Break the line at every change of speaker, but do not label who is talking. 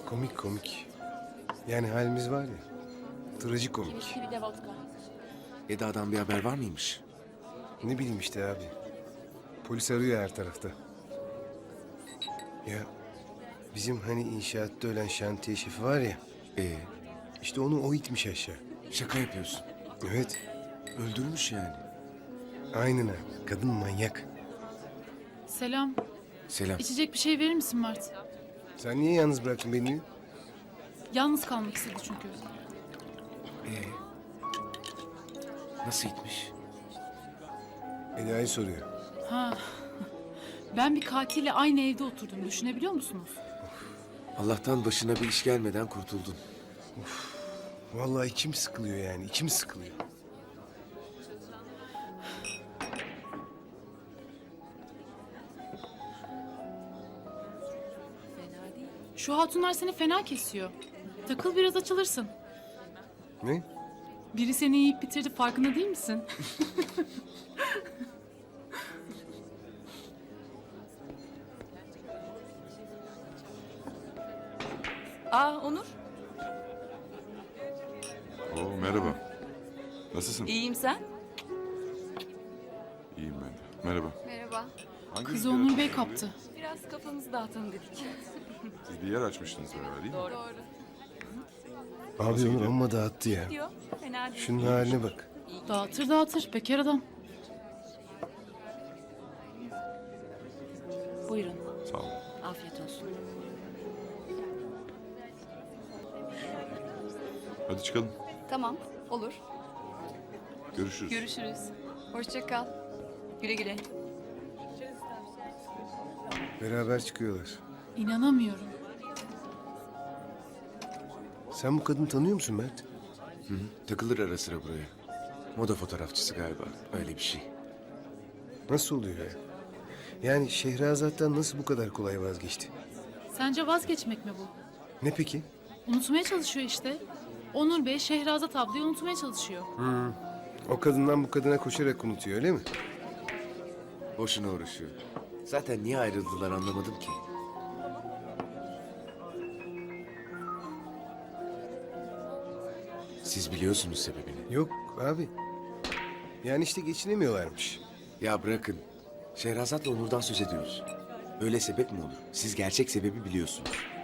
Komik komik. Yani halimiz var ya. Trajikomik.
Bir de vodka.
Eda'dan bir haber var mıymış?
Ne bileyim işte abi. Polis arıyor her tarafta. Ya bizim hani inşaatta ölen şantiye şefi var ya. İşte onu o itmiş aşağı.
Şaka yapıyorsun.
Evet.
Öldürmüş yani.
Aynen abi. Kadın manyak.
Selam.
Selam.
İçecek bir şey verir misin Mert?
Sen niye yalnız bıraktın beni?
Yalnız kalmak istedi çünkü.
Nasıl gitmiş?
Eda'yı soruyor.
Ha. Ben bir katille aynı evde oturdum. Düşünebiliyor musunuz?
Allah'tan başına bir iş gelmeden kurtuldun.
Vallahi içim sıkılıyor yani. İçim sıkılıyor.
Şu hatunlar seni fena kesiyor. Takıl biraz açılırsın.
Ne?
Biri seni yiyip bitirdi, farkında değil misin?
Onur,
Oo, merhaba. Nasılsın?
iyiyim sen?
İyiyim ben de. Merhaba.
Merhaba.
Hangi
Kızı
rüzgar
Onur Bey
atıyor
kaptı.
Biraz kafamızı dağıtalım dedik.
buraya? Siz bir yer açmıştınız beraber değil mi?
Doğru.
Abi
Nasıl
onu
gidiyor?
amma dağıttı ya.
Diyor, fena değil.
Şunun haline bak.
Dağıtır dağıtır, bekar adam.
Buyurun,
Sağ olun.
afiyet olsun.
Hadi çıkalım.
Tamam, olur.
Görüşürüz.
Görüşürüz.
Hoşça kal.
Güle güle.
Beraber çıkıyorlar.
İnanamıyorum.
Sen bu kadını tanıyor musun Mert?
Takılır ara sıra buraya. Moda fotoğrafçısı galiba. Öyle bir şey.
Nasıl oluyor ya? Yani Şehrazat'tan nasıl bu kadar kolay vazgeçti?
Sence vazgeçmek mi bu?
Ne peki?
Unutmaya çalışıyor işte. Onur Bey Şehrazat ablayı unutmaya çalışıyor.
O kadından bu kadına koşarak unutuyor öyle mi?
Boşuna uğraşıyor. Zaten niye ayrıldılar anlamadım ki. Siz biliyorsunuz sebebini.
Yok abi. Yani işte geçinemiyorlarmış.
Ya bırakın. Şehrazat'la Onur'dan söz ediyoruz. Öyle sebep mi olur? Siz gerçek sebebi biliyorsunuz.